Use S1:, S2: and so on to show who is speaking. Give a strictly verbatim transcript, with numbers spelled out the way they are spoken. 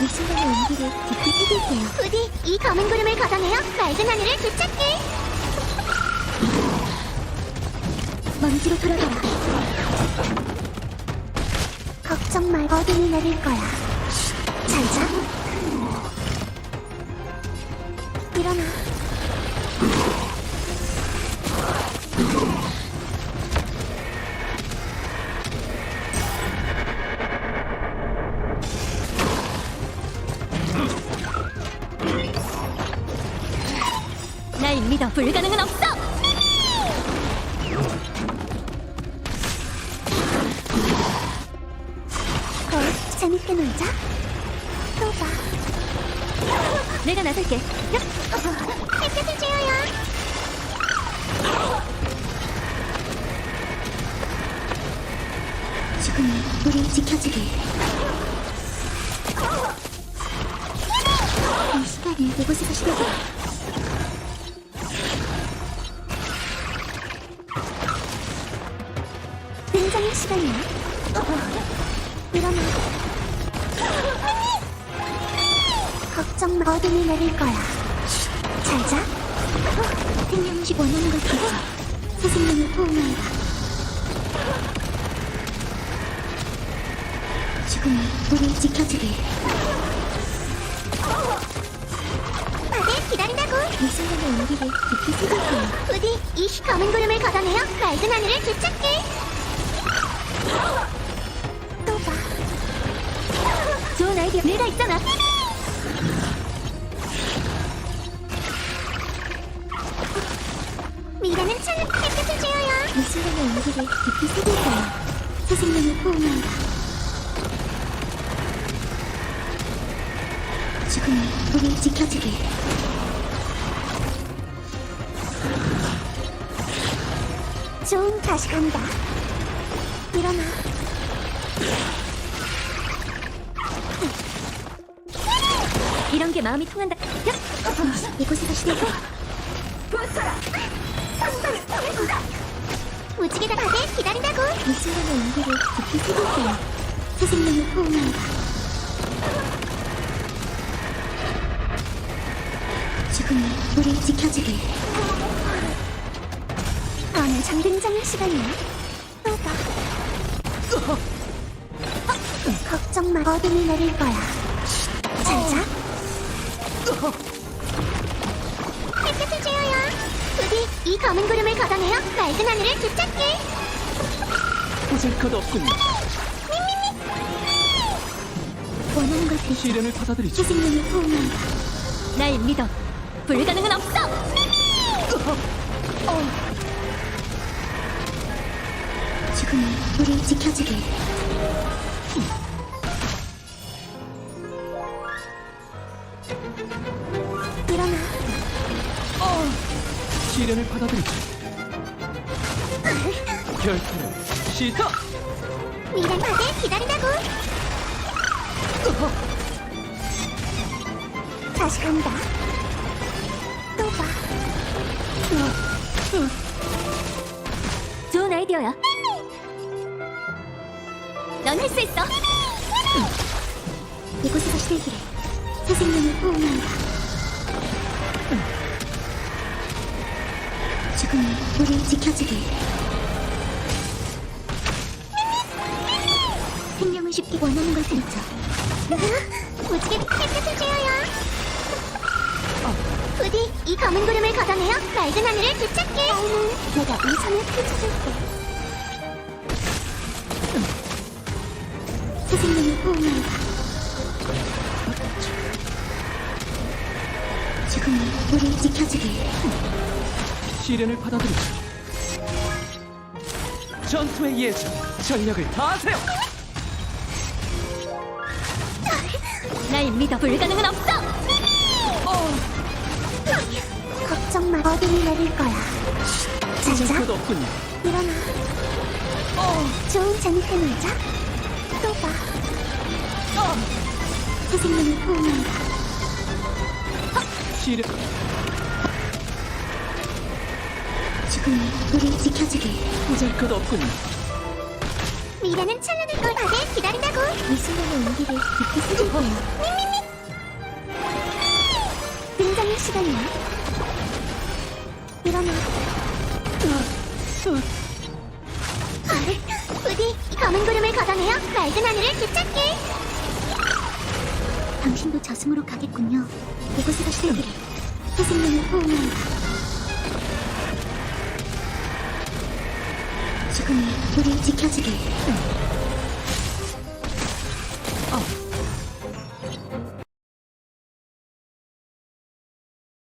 S1: 이 순간의 온기를 깊이 새길게요.
S2: 부디 이 검은 구름을 걷어내어 맑은 하늘을 되찾게.
S1: 먼지로 돌아가라.
S2: 걱정 말, 어둠이 내릴 거야. 잘 자. 일어나.
S1: 날 믿어. 불가능은 없어.
S2: 걸, 재밌게 놀자. 또 봐.
S1: 내가 나설게.
S2: 햇볕을 쬐어요.
S1: 죽음이 우리 지켜주길. 이 시간을 이곳에서 시작해.
S2: 굉장히 시간이야. 일어나. 걱정 마, 어둠이 내릴 거야. 잘 자.
S1: 생명식 원하는 걸 찾아. 새 생명을 포옹한다. 죽음이 우리 지켜주길.
S2: 다들 기다린다고.
S1: 이 순간의 온기를 깊이 새길게요.
S2: 부디 이 검은 구름을 걷어내어 맑은 하늘을 되찾게. 또 봐.
S1: 좋은 아이디어. 내가 있잖아.
S2: 미래는 찬 햇볕을 쬐어요.
S1: 이 순간의 온기를 깊이 새길게요. 새 생명을 포옹한다. 죽음이 우리 지켜주길.
S2: 좀 다시 간다. 일어나.
S1: 이런 게 마음이 통한다. 야! 이곳에서 시작해.
S2: 무지개가 다들 기다린다고.
S1: 이 순간의 온기를 깊이 새길게요. 새 생명을 포옹한다. 죽음이 우리 지켜주길.
S2: 오늘 참 굉장한 시간이야. 또 봐. 걱정 마, 어둠이 내릴 거야. 잘 자. 햇볕을 쬐어요. 부디 이 검은 구름을 걷어내어 맑은 하늘을 되찾게.
S3: 보잘 것 없군요.
S1: 원하는 걸 들.
S3: 시련을 받아들이죠.
S1: 새 생명을 포옹한다. 날 믿어. 불가능은 없어. 죽음이 우리 지켜주길.
S2: 일어나.
S3: 시련을 받아들이죠. 결투는 시작!
S2: 미란 다들 기다린다고. 다시 간다. 또 봐.
S1: 좋은 아이디어야. 넌 할 수 있어. 이곳에서 시들기를. 새 생명을 포옹한다. 죽음이 우리 지켜주길. 생명을 쉽게 원하는 걸 들죠.
S2: 무지개 햇볕을 쬐어요. 부디 이 검은 구름을 걷어내어 맑은 하늘을 되찾게. 나는 내가 이 섬을 펼쳐줄게.
S1: 새 생명을 포옹한다. 죽음이 우리 지켜주길.
S3: 시련을 받아들이죠. 전투의 예정, 전력을 다하세요!
S1: 날 믿어. 불가능은 없어.
S2: 걱정 마, 어둠이 내릴 거야. 잘
S3: 보잘
S2: 자.
S3: 것 없군요.
S2: 일어나. 좀 재밌게 놀자. 또 봐.
S1: 새 생명을 포옹한다.
S3: 시련...
S1: 죽음이 우리 지켜주길.
S3: 보잘 것 없군요.
S2: 미래는 찬란할 걸 다들 기다린다고.
S1: 이 순간의 온기를 깊이 새길 거예요.
S2: 등장의 시간이야. 이러면 부디 이 검은 구름을 걷어내어 맑은 하늘을 되찾게.
S1: 당신도 저승으로 가겠군요. 이곳에서 시대기를 태생님을 호응한다. 죽음이 우리 지켜주길.